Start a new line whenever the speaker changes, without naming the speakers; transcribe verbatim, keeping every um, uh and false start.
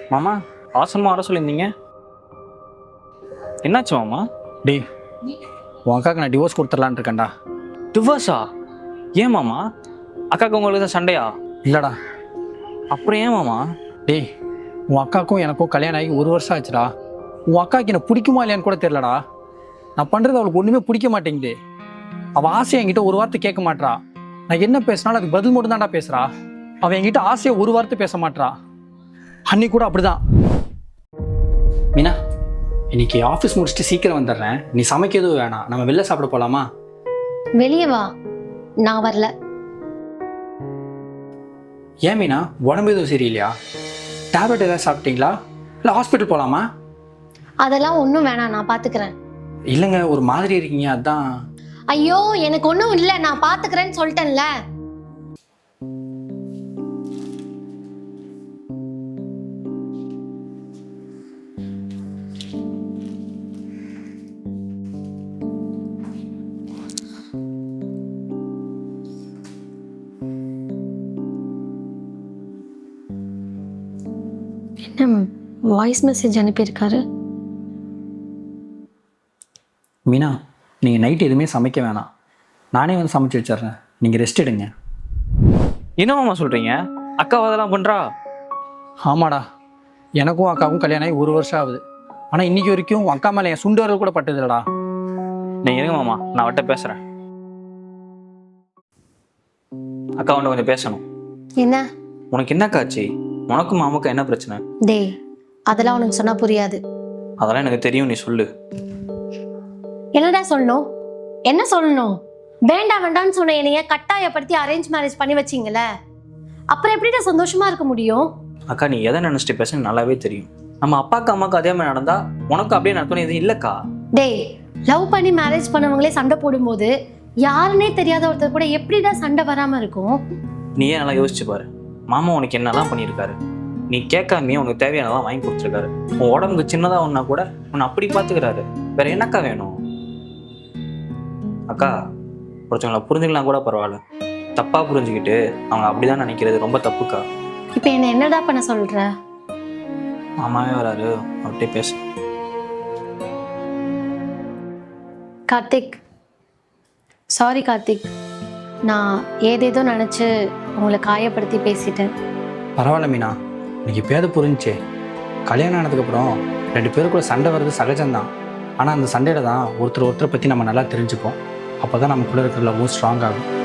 மாமா அவசரமாக வர சொல்லியிருந்தீங்க, என்னாச்சு மாமா?
டேய், உன் அக்காவுக்கு நான் டிவோர்ஸ் கொடுத்துடலான்னு இருக்கேன்டா.
டிவோர்ஸா? ஏன் மாமா? அக்காவுக்கு உங்களுக்கு தான் சண்டையா?
இல்லைடா.
அப்புறம் ஏன் மாமா?
டேய், உன் அக்காவுக்கும் எனக்கும் கல்யாணம் ஆகி ஒரு வருஷம் ஆச்சுடா. உன் அக்காவுக்கு என்ன பிடிக்குமா இல்லையான்னு கூட தெரியலடா. நான் பண்ணுறது அவளுக்கு ஒன்றுமே பிடிக்க மாட்டேங்குது. அவள் ஆசையை என்கிட்ட ஒரு வார்த்தை கேட்க மாட்றா. நான் என்ன பேசினாலும் அதுக்கு பதில் மட்டும் தான்டா பேசுகிறா. அவன் என்கிட்ட ஆசையை ஒரு வார்த்தை பேச மாட்றா. அன்னி கூட அப்படிதான். மீனா, இன்னைக்கு ஆஃபீஸ் முடிச்சுட்டு சீக்கிரம் வந்துடுறேன். நீ சமைக்க எதுவும் வேணாம், நம்ம வெளில சாப்பிட போகலாமா?
வெளியே வா, நான் வரல.
ஏன் மீனா, உடம்பு எதுவும் சரியில்லையா? டேப்லெட் ஏதாவது சாப்பிட்டீங்களா? இல்லை ஹாஸ்பிட்டல் போகலாமா?
அதெல்லாம் ஒன்றும் வேணாம், நான் பார்த்துக்கிறேன்.
இல்லைங்க, ஒரு மாதிரி இருக்கீங்க, அதான்.
ஐயோ, எனக்கு ஒன்றும் இல்லை, நான் பார்த்துக்கிறேன்னு சொல்லிட்டேன்ல. என்ன வாய்ஸ் மெசேஜ் அனுப்பியிருக்காரு?
மீனா, நீங்கள் நைட் எதுவுமே சமைக்க வேணாம், நானே வந்து சமைச்சு வச்சிடுறேன். நீங்கள் ரெஸ்ட் எடுங்க.
என்ன மாமா சொல்கிறீங்க? அக்காவை அதெல்லாம் பண்ணுறா?
ஆமாடா, எனக்கும் அக்காவுக்கும் கல்யாணம் ஆகி ஒரு வருஷம் ஆகுது. ஆனால் இன்னைக்கு வரைக்கும் உன் அக்கா மேலே என் சுண்டு வரல் கூட பட்டதில்லடா.
நீங்கள் இருங்க மாமா, நான் அவட்ட பேசுகிறேன். அக்கா ஒன்று கொஞ்சம் பேசணும்.
என்ன?
உனக்கு என்ன காட்சி? உனக்கும் மாமாக்கும் என்ன பிரச்சனை?
டேய், அதெல்லாம் உனக்கு சொன்னா புரியாது.
அதெல்லாம் எனக்கு தெரியும், நீ சொல்லு.
என்னடா சொல்லணும்? என்ன சொல்லணும்? வேண்டாம் வேண்டாம்னு சொன்ன என்னைய கட்டாயப்படுத்தி அரேஞ்ச் மேரேஜ் பண்ணி வச்சிங்கல்ல, அப்புறம் எப்படிடா சந்தோஷமா இருக்க முடியும்?
அக்கா, நீ எதை நினைச்சிட்டு பேச நல்லாவே தெரியும். நம்ம அப்பாக்கு அம்மாவுக்கு அதே மாதிரி நடந்தா உனக்கு அப்படியே நடத்தணும் எதுவும் இல்லக்கா.
டேய், லவ் பண்ணி மேரேஜ் பண்ணவங்களே சண்டை போடும்போது யாருன்னே தெரியாத ஒருத்தர் கூட எப்படிடா சண்டை வராம இருக்கும்?
நீயே நல்லா யோசிச்சு பாரு. மாமா உனக்கு என்னெல்லாம் பண்ணியிருக்காரு. நீ கேட்காமே உனக்கு தேவையானதான் வாங்கி கொடுத்துருக்காரு. உன் உடம்புக்கு சின்னதா ஒன்னா கூட உன்னை அப்படி பார்த்துக்கிறாரு. வேற என்னக்கா வேணும்? அக்கா, ஒருத்தவங்களை புரிஞ்சுக்கலாம் கூட பரவாயில்ல, தப்பா புரிஞ்சுக்கிட்டு அவங்க அப்படிதான் நினைக்கிறது ரொம்ப தப்புக்கா.
இப்ப என்ன என்னடா பண்ண சொல்ற?
மாமாவே வராரு, அவர்கிட்ட பேச.
கார்த்திக், சாரி கார்த்திக், நான் ஏதேதோ நினச்சி உங்களை காயப்படுத்தி பேசிட்டேன்.
பரவாயில்ல மீனா, இன்னைக்கு பேத புரிஞ்சே. கல்யாணம் ஆனதுக்கப்புறம் ரெண்டு பேருக்குள்ள சண்டை வர்றது சகஜம்தான். ஆனால் அந்த சண்டையில தான் ஒருத்தர் ஒருத்தரை பற்றி நம்ம நல்லா தெரிஞ்சுப்போம். அப்போ தான் நமக்குள்ளே இருக்கிற லவ்வும் ஸ்ட்ராங் ஆகும்.